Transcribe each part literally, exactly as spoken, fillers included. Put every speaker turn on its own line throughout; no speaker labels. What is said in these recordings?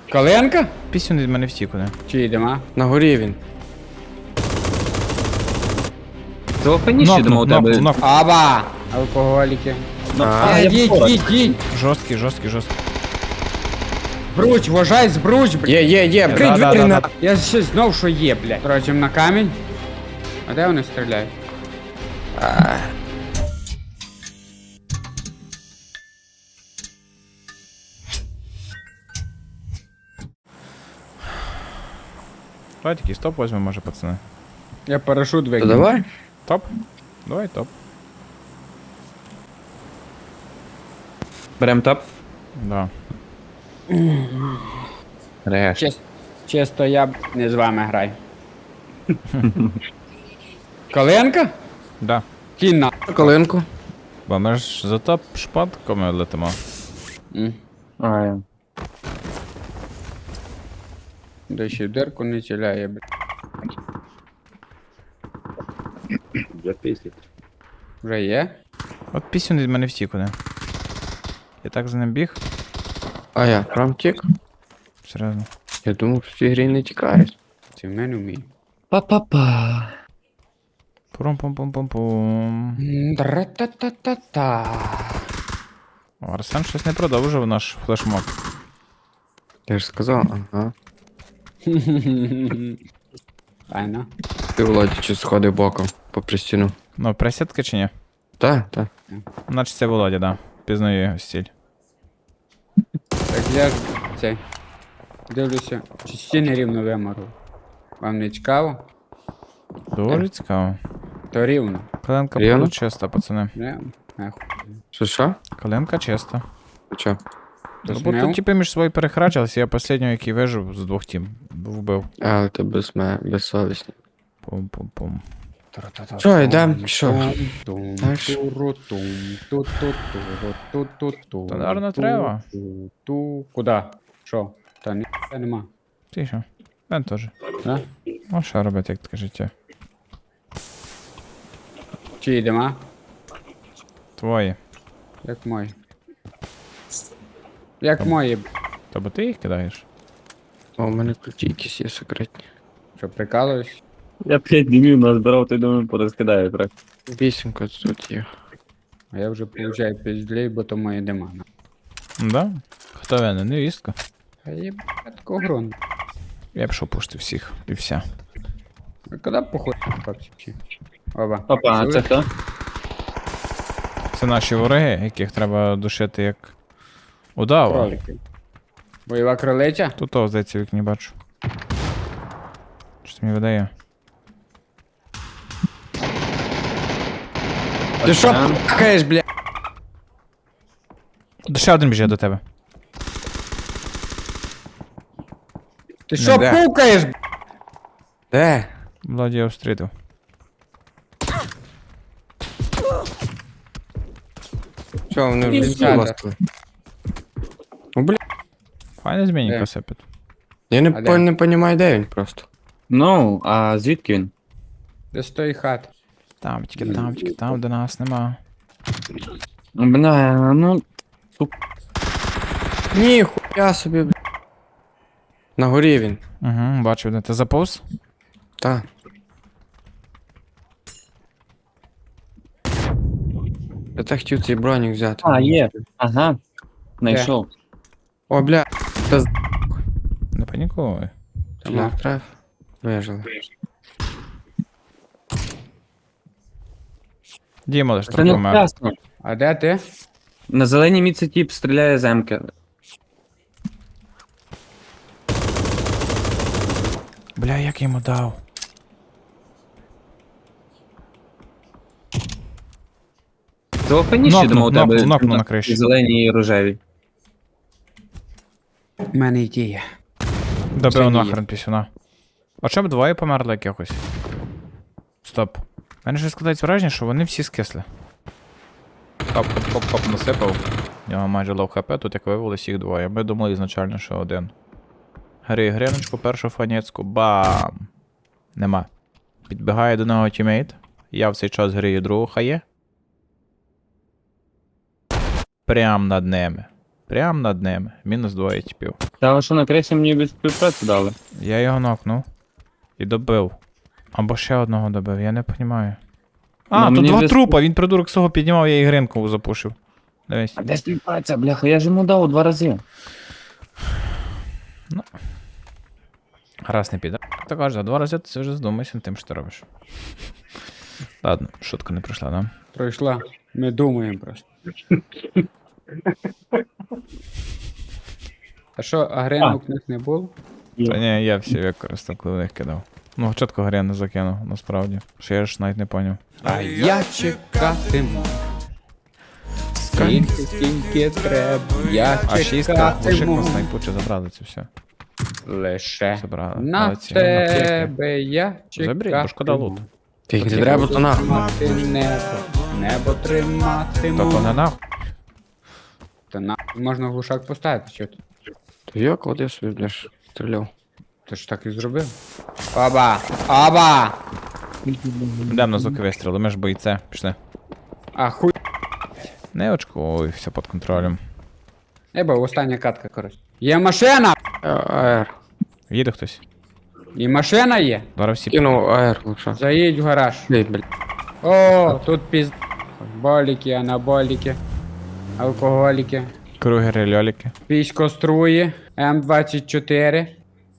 Коленка?
Пісюн від мене втік куди.
Чи йдемо?
На горі він.
Золотаніше
Нокнув,
йдемо у тебе.
нокнув, нокнув.
Аба! Алкоголіки.
Ну,
А,
а,
Е,
я
Їдь,
поруч.
їдь, їдь!
Жорсткий, жорсткий, жорсткий.
Бруч, вважай, збруч, блядь.
Є, є, є, брить
Да, да,
двері
да,
на...
да.
Я ще знов, що є, блядь. Короче, на камінь. А де вони стріляють?
Давай такий стоп візьмемо, може, пацани.
Я парашут
То
викину.
давай.
Топ? Давай топ.
Берем топ.
Да.
Реш.
Чис- Чисто я б не з вами граю. Коленка?
Да.
Кінна.
Колинку.
Бо ми ж за топ шпатками летимо.
А, я.
Де ще в дирку не ціляє, блядь. Вже є?
От пісюн від мене втік куди. Я так за ним біг.
А я прям тік.
Серйозно.
Я думав, що в цій грі не тікають.
Це в мене вміє.
Па-па-па.
Пурум-пум-пум-пум-пум.
Тра-та-та-та-та.
О, Арсен щось не продовжив наш флешмоб.
Я ж сказав, ага.
Файно.
Ти, Володя, чи сходив боком попри стіну.
Ну, присядки чи ні?
Та, та.
Наче це Володя, да. Пізнаю його стиль.
Так я ж цей. Дивлюся, чи стіни рівно вимору. Вам не цікаво?
Доволі цікаво.
То рівно.
Коленка
Рівно?
була чиста, пацани.
Не, нахуй.
Що, що?
Коленка чиста.
Чо?
То
Ну, бо
смел?
тут типи між собою перехрачилися, я останнього, який вижив з двох тім. Вбив.
Але ти без мене, безсовісний.
Пум-пум-пум.
Що, йдем? Що?
Тум,
Так що?
туру, тум, ту-ту-туру, ту-ту-ту.
Та, наверно, треба.
Ту-ту. Куда? Що? Та ні, нема.
Ти що? Мен теж.
Да?
Ну, що робити, як таке життя?
Чи йдемо?
Твої.
Як мої. Як мої. б***ь.
Тобто ти їх кидаєш?
О, у мене ключі якісь є секретні.
Що, прикалуєш?
Я п'ять днів назбирав, ти думаю, порозкидаю трохи.
Вісімка тут є.
А я вже получаю піздлей, бо то мої дима.
Да? Хто винен? Невістка.
А є таку гру.
Я пішов пушти всіх і вся.
А куди похуй, хлопці? Оба.
Опа, а це хто?
Це наші вороги, яких треба душити як удава.
Кролики. Бойова кролиця?
Тут того, здається, в вікні бачу. Щось мені видає.
Ти що
Пацан.
пакаєш, бля?
Ще один біжить до тебе.
Ти що
де.
пукаєш? б***ь?
Де?
Владі я встрітив.
Що, вони вже
Дівчата.
злостили? Ну, бля.
Файне змінника
Де?
сипить.
Я не,
А
по,
де?
не понімаю, де він просто.
Ну, а звідки він?
Де з тої хати?
Там, тільки там, тільки там, де нас нема.
Бля, ну.
Ні, хуя собі, бля. На горі він.
Угу, бачив, де ти заповз?
Та. Я так хотів цей бронік взяти.
А, є. Ага. Знайшов.
О, бля. Та з...
Не панікуй.
Бля, треф. Вижили.
Дімо лиш
Це
трохи
не
вмер.
вчасно.
А де ти?
На зеленій міці тіп стріляє з емки.
Бля, як я йому дав?
Золотаніше
Нокнув,
йдемо у тебе.
нокнув, нокнув на криші.
Зелені і рожеві.
У мене ідея.
Добив
Це
нахрен пісюна. А чому б двоє померли якихось? Стоп. У мене щось складається враження, що вони всі скисли. Хоп-хоп-хоп-хоп насипав. У нього майже лоу хп, тут як виявилось їх двоє. Ми думали ізначально, що один. Гри гриночку, першу фанецьку, бам! Нема. Підбігає до нього тімейт. Я в цей час грію другу хає. Прям над ними. Прям над ними. Мінус двоє типів.
Та ви що на кресі мені від співпраці дали?
Я його нокнув. І добив. Або ще одного добив, я не розумію. А,
Ну,
тут
мені
два
без-
трупа, він придурок свого піднімав, я ігринку запушив. Дивись.
А де співпраця, бляха? Я ж йому дав два рази.
Раз не піде. Та каже, два рази ти вже здумайся над тим, що ти робиш. Ладно, шутка не пройшла, да?
Пройшла. Ми думаємо просто. А що, агренок у них не було?
Та ні, я всі використав, коли в них кидав. Ну, чітко горя не закинув, насправді. Що я ж навіть не поняв.
А я чекатиму. Скільки, скільки треба, я
А шістка, вошик
чекатиму.
на снайпу чи забрали це все.
Лише
Забрали.
на
Молодці, аптеки.
тебе я
Заберіть,
чекатиму.
бо шкода луту.
Тільки не треба, то нахуй.
Тримати небо, небо триматиму.
Та то не нахуй.
Та на можна глушак поставити, що ти?
То я клади собі, бляш, стріляв.
Ти ж так і зробив. Оба! Оба!
Йдемо на звуки вистріли, ми ж бойце. Пішли.
А хуй.
Не очкуй, все під контролем.
Еба, остання катка, коротше. Є машина!
А- АР.
Їде хтось.
І машина є.
Зараз всі.
Кинув АР лучше.
Заїдь в гараж.
Ей, блядь.
О, тут піз... Боліки, анаболіки, алкоголіки,
Кругери, льоліки.
піськоструї, М двадцять чотири.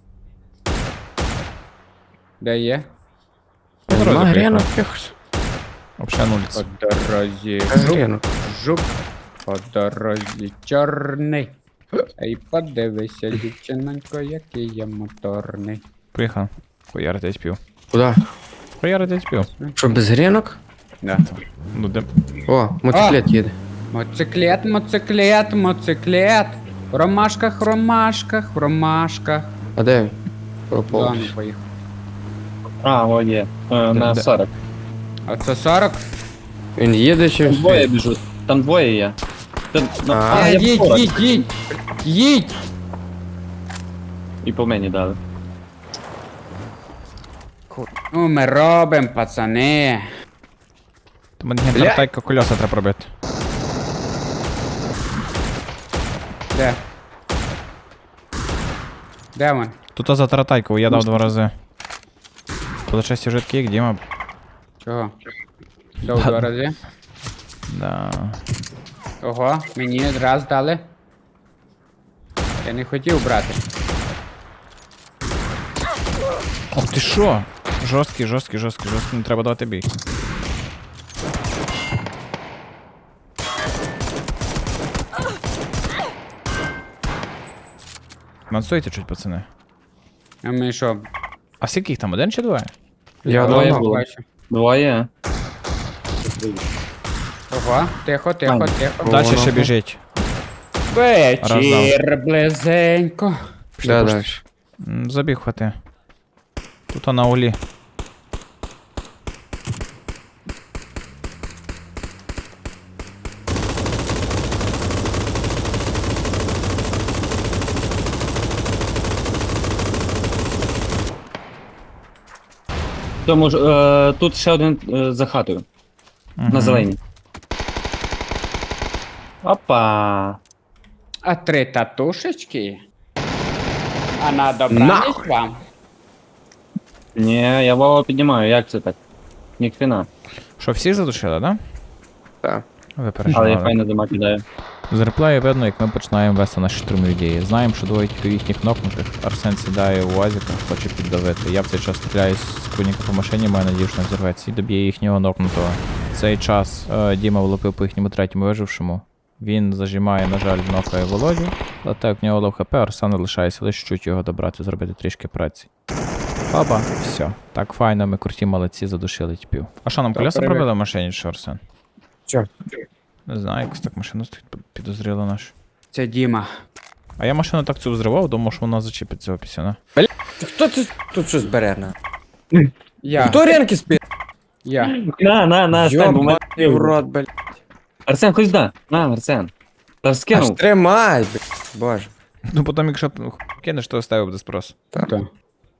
Де є?
дорозі
Нема
приїхав.
грінок якось.
Взагалі нуліць.
По дорозі. Жук,
Грінок.
жук. По дорозі чорний. Ей, подивися, дівчинонько, який я моторний.
Приїхав. Хуяри десь пів.
Куда?
Хуяри десь пів.
Що, без грінок?
Да.
Ну де.
О, мотоциклет їде.
Моциклет, моциклет, моциклет. В ромашках, в ромашках, в ромашках.
А де він?
Да,
Пропав.
ну поїхав.
А, о, є. Е, На
Де?
сорок.
А це сорок?
Він їде чи
Там
він
двоє
стоїть?
біжуть. Там двоє є. Та- ну,
А.
а,
Е,
я
їдь,
сорок.
їдь, їдь! Їдь!
І по мені дали.
Ну, ми робимо, пацани.
То мені гентартайка кольоса треба робити.
Де? Де він?
Тут за таратайку я дав два рази. Получається жидкий, як Діма.
Чого? Дав два рази.
Да.
Ого, мені раз дали. Я не хотів брати.
О, ти що? Жорсткий, жорсткий, жорсткий, жорсткий, не треба давати бій. Мансуйте чуть, пацани.
А ми що?
А скільки їх там, один чи двоє?
Я
Двоє
давно.
було.
бачу.
Двоє.
Ого, тихо, тихо,
Ань.
тихо.
Далі ще
нахуй.
біжить.
Вечір близенько.
Да, далі.
М, Забіг хвати. Тут на улі.
Тому ж, е, тут ще один е, за хатою. На зеленій. Опа.
А три татушечки? А на добраніч вам?
Ні, я Вова піднімаю, як це так? Ніхрена.
Що, всіх задушили, да?
Так.
Ви
Але я
переживали.
файно дима кидаю.
З реплею видно, як ми починаємо вести наші штурмові дії. Знаємо, що двоє тільки їхніх нокнутих. Арсен сідає у УАЗіка, хоче піддавити. Я в цей час стріляю з куніка по машині, маю надію, що не взірветься, і доб'є їхнього нокнутого. В цей час е, Діма влупив по їхньому третьому вижившому. Він зажимає, на жаль, нокає Володю. Але так в нього лов хп, Арсену лишається лише чуть його добрати, зробити трішки праці. Опа, все. Так файно, ми круті молодці, задушили тіпів. А що, нам
Так,
колеса
привіт.
пробили в машині, чи що, Арсен?
Чо?
Не знаю, якось так машина стоїть підозріло нашу.
Це Діма.
А я машину так цю взривав, думав, що вона зачепить цього пісюна.
Хто це тут щось бере на?
Я.
Хто ренки спить?
Я.
На, на, на, стань, бо мене...
Йобаний в рот, блядь.
Арсен, хоч да. На, Арсен. Та
Аж
скинув.
тримай, блядь. Боже.
Ну потім, якщо ну, кинеш, то оставив без спросу.
Так.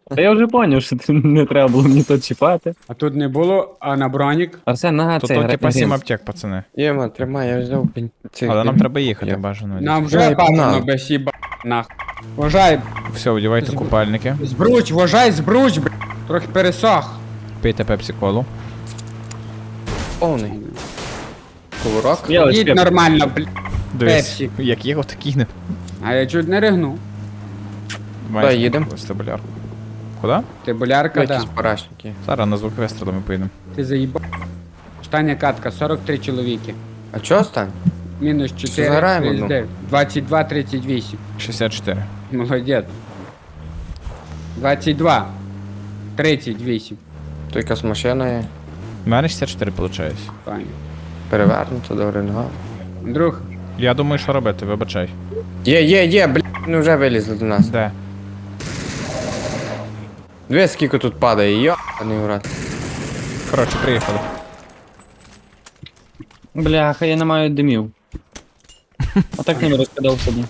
Та я вже поняв, що ти не треба було мені то чіпати.
А тут не було, а на бронік.
Арсен, на
Тут
цей
то,
гра-
типа сім
грін.
аптек, пацани.
Єма, тримай, я взяв пень- цих.
Але нам
дим.
треба їхати,
Я-
бажано.
Нам
Ой,
вже бажано
погнали.
без їба нах. Вважай,
Все, одівайте купальники.
збруч, вважай, збруч, б**. Трохи пересох.
Пийте пепсі-колу.
Повний. Кувырок.
Я ось
Їдь
пеп-
нормально, бля.
Дивись,
Пепсі.
як його такі не.
А я чуть не ригнув.
Маєш
їдем?
Стабулярку. Куди?
Ти болярка, да.
Якісь парашники.
Зараз на звук вистрілу ми поїдемо.
Ти заїбав. Остання катка, сорок три чоловіки.
А чого стань?
Мінус чотири,
заграємо,
тридцять
ну?
дев'ять. двадцять два, тридцять вісім.
шістдесят чотири.
Молодець. двадцять два. тридцять вісім.
То якась машина є.
У мене шістдесят чотири виходить.
Пані.
Перевернута до ринга.
Друг,
Я думаю, що робити, вибачай.
Є, є, є, блядь, вони вже вилізли до нас.
Де?
Дві скільки тут падає, йо, а не урад.
Коротше, приїхали.
Бляха, я не маю димів. А так не розкидав собі.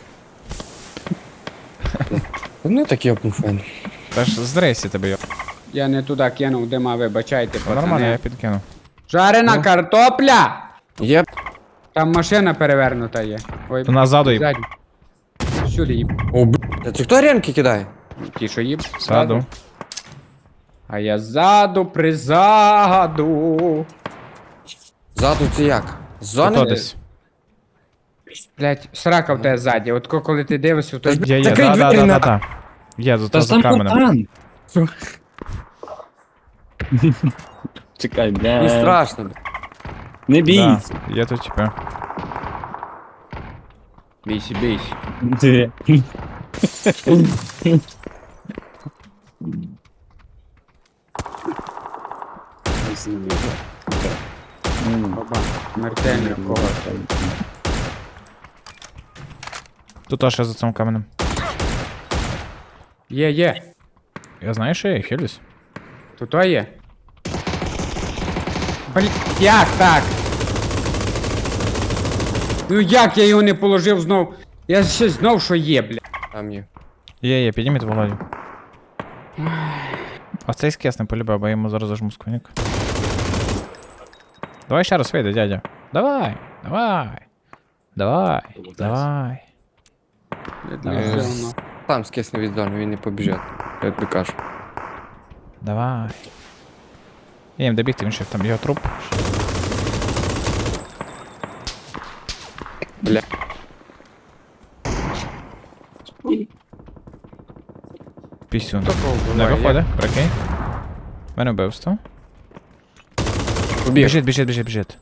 Вони такі опмуфені.
Та ж з рейсі тебе йо.
я не туди кинув дима, вибачайте,
Та Нормально, я
пацани.
підкину.
Жарена картопля!
Є,
Там машина перевернута є. Ой,
То назаду їб.
ззаді. Сюди їб.
о, блядь, це хто ренки кидає?
Ті, що їб.
Ззаду.
А я ззаду, призаду.
Ззаду це як? З зони?
Хто десь?
Блять, срака в тебе ззаді. От ко- коли ти дивишся, то
Та
Є, є,
Закрий
да, да,
двері,
да, да,
на-
да. Є, за
Та
то
ж
за
там
каменем.
фонтан! Чекай,
Не
бля.
страшно, блядь.
Не
Да,
бійся.
є тут типа.
бійся, бійся.
Де?
Оба, смертельно когось.
Тут аж за цим каменем.
Є, є.
Я знаю, що я хилюсь.
Тут то є. Блять, як так? Ну як я його не положив знов? Я ще знов що є, бля.
Там є.
Є, є, підніміть Володю. А цей скес не полюбив, бо я йому зараз зажму сквоник. Давай ще раз вийде, дядя. Давай, давай. Давай, давай. Давай.
Все одно.
Там скисне від зони, він не побіжить. Я тобі кажу.
Давай. Я їм добігти, він ще там його труп.
Бля.
Пісюн.
Такого
Не
буває,
виходить, прикинь. В мене вбивство.
Побіг.
Біжить, біжить, біжить, біжить.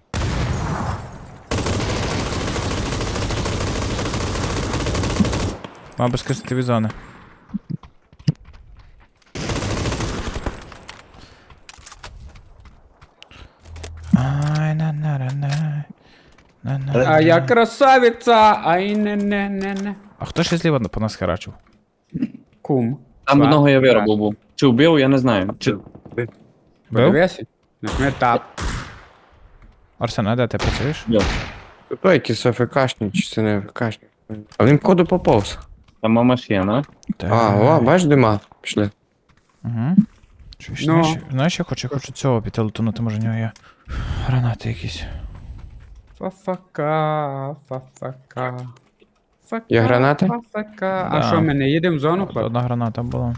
Мав би скисити від зони. Ай, на на на на на на.
А я красавиця, ай не не не не.
А хто ще зліва по нас херачив?
Кум.
Там
Два.
одного я виробив був. Чи вбив, я не знаю. Чи...
Бив?
Подивися. Нажми тап.
Арсен, а де ти працюєш?
То якийсь АФКшник, чи це не АФКшник. А він походу поповз.
Там машина.
А, о, бачиш дима? Пішли.
Угу. Чуєш,
Ну.
знаєш, знаєш, я хочу, я хочу цього піти лутунути, може в нього є гранати якісь.
Фа-фака, фа-фака. Фака,
Є гранати?
Фа-фака.
Да.
А що, ми не їдемо в зону, хлоп?
Одна граната була.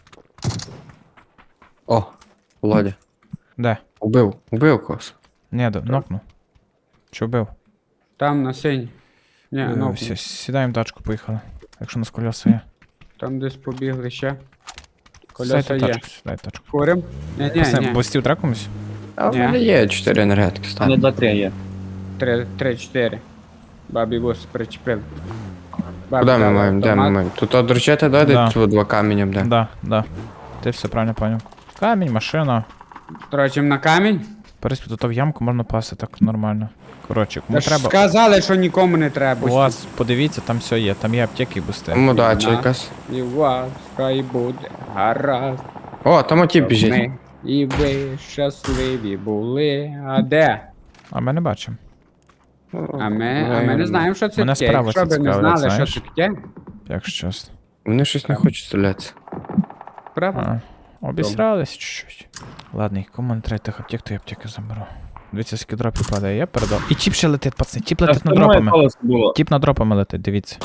О, Володя.
Де?
Убив, убив когось.
Ні, де, нокнув. Чи вбив?
Там на синій. Ні,
Е,
ну,
всі, сідаємо в тачку, поїхали. Якщо у нас колеса є.
там десь побігли ще. Колеса
Сідайте в
є.
тачку, сідай в тачку.
Курим? Ні, ні,
Пацани,
ні.
Бустів треба комусь?
А в
Ні.
мене є чотири енергетики,
Не
стане.
два-три є.
Три, три, чотири. Бабі бус причепив. Бабі
Куди ми
дала
маємо? Де ми
автомат.
маємо? Тут одручити дойде,
Да.
тут два каменем, де?
Да, да. Ти все правильно поняв. Камінь, машина.
Трочим на камінь.
Переспі, тут в ямку можна пасти так нормально. Коротше, кому
Та ж
треба.
сказали, що нікому не треба.
У вас, подивіться, там все є. Там є аптеки і бусти.
Там удача
Да.
якась.
І у вас хай буде гаразд.
О, там оті біжить.
Ми і ви щасливі були. А де?
А ми не бачимо.
А ми, а ми не знаємо, що це
Мене
таке.
справа
Якщо
це
б ми
цікавить,
знали,
знаєш?
що це таке.
Якщо чесно.
Вони щось не хочуть стрілятися.
Право.
А, обісрались чуть-чуть. Ладно, кому не треба тих аптек, то я аптеки заберу. Дивіться, скільки дропів падає, я передав. І тіп ще летить, пацани, тіп
Та
летить над
це моє
дропами.
колесо було.
Тіп над дропами летить, дивіться.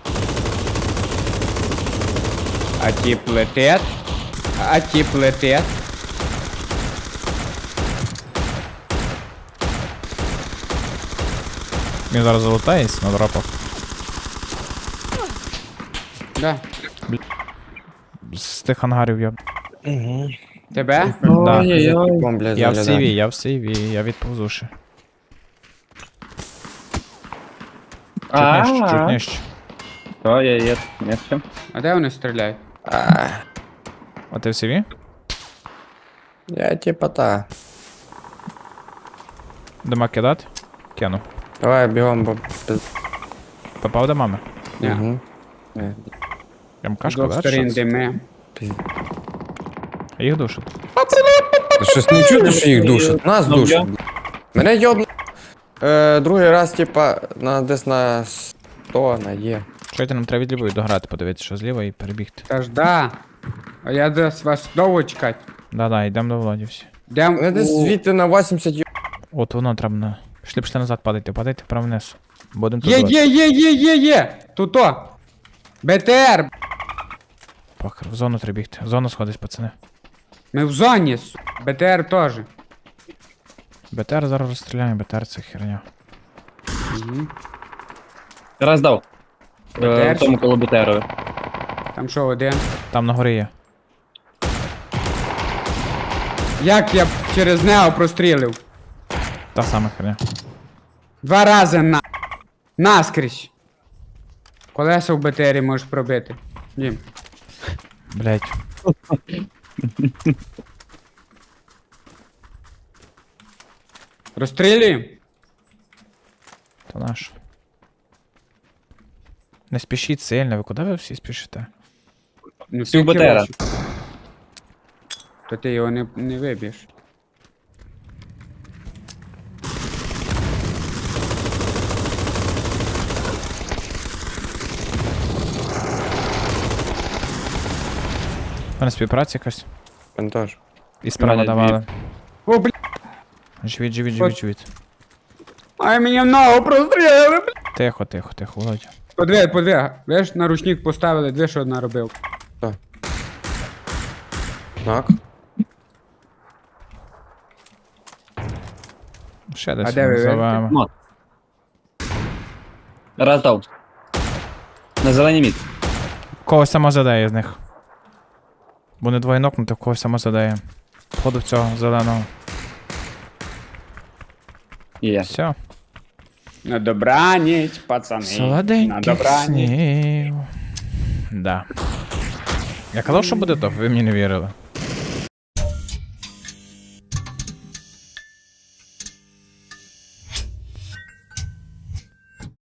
А тип летить. А тип летить.
Він зараз залутається на дропах.
Да.
З тих ангарів я.
Угу.
Тебе?
Да.
Ой-ой-ой.
Бля,
Я в
заглядаю.
сиві, я в сиві, я відповзу ще. Чуть нижче, чуть
А,
нижче.
то я є. Є все.
А де вони стріляють?
А,
А ти в сиві?
Я типа та.
Дима кидати? Кину.
Давай бігом, бо пиз-
Попав до мами?
Ні.
Мгм. Е,
Прям
З
кашка,
двох
да?
сторін
Що це?
дими.
пиз-
Їх душить.
Та Щось не чути, що їх душать. Нас
Ну,
душать.
я-
Мене йобну. Е, другий раз, типа, на десь на сто на є.
Чуєте, нам треба від лівої дограти, подивитися, що зліва і перебігти.
Та ж да. А я десь вас довго чекати.
Да-да, йдемо до Володі всі.
Дем
Мене десь
у...
звідти на вісімдесят йоб.
От воно треба на. Пішли, пішли назад, падайте, падайте вправо вниз. Будемо тут.
Є,
давати.
є, є, є, є, є! Туто! БТР!
Похер, в зону треба бігти. В зону сходись, пацани.
Ми в зоні, су. БТР теж.
БТР зараз розстріляємо, БТР це херня.
Угу.
Раз дав. Е,
БТР?
в тому коло БТРові.
Там що, один?
Там на горі є.
Як я через нього прострілив?
Та сама херня.
Два рази на... Наскрізь. Колеса в БТРі можеш пробити. Ні.
Блять.
Розстрілюємо?
То наш. Не спішіть сильно, ви куди ви всі спішите?
Ну,
Всю
тільки
БТРа.
вашу. То ти його не, не виб'єш.
У мене співпраця якась.
Він теж.
І справа
мене
давали.
О, бля.
Живіть, живіть, живіть, живіть.
Ай, мені в ногу прострілили, бля.
Тихо, тихо, тихо, Володя.
Подвиг, подвиг. Ви ж на ручник поставили, дві що одна робив.
Так.
Ще десь
А де ви
назовемо.
Ну. Раз дав. На зеленій міць.
Когось сама задає з них. Бо не двоє нокнути, в когось сама задає. Походу в цього зеленого.
Є.
Все.
На добраніч, пацани. На
Солоденьких
добраніч.
снів. Да. Я казав, що буде топ, ви мені не вірили.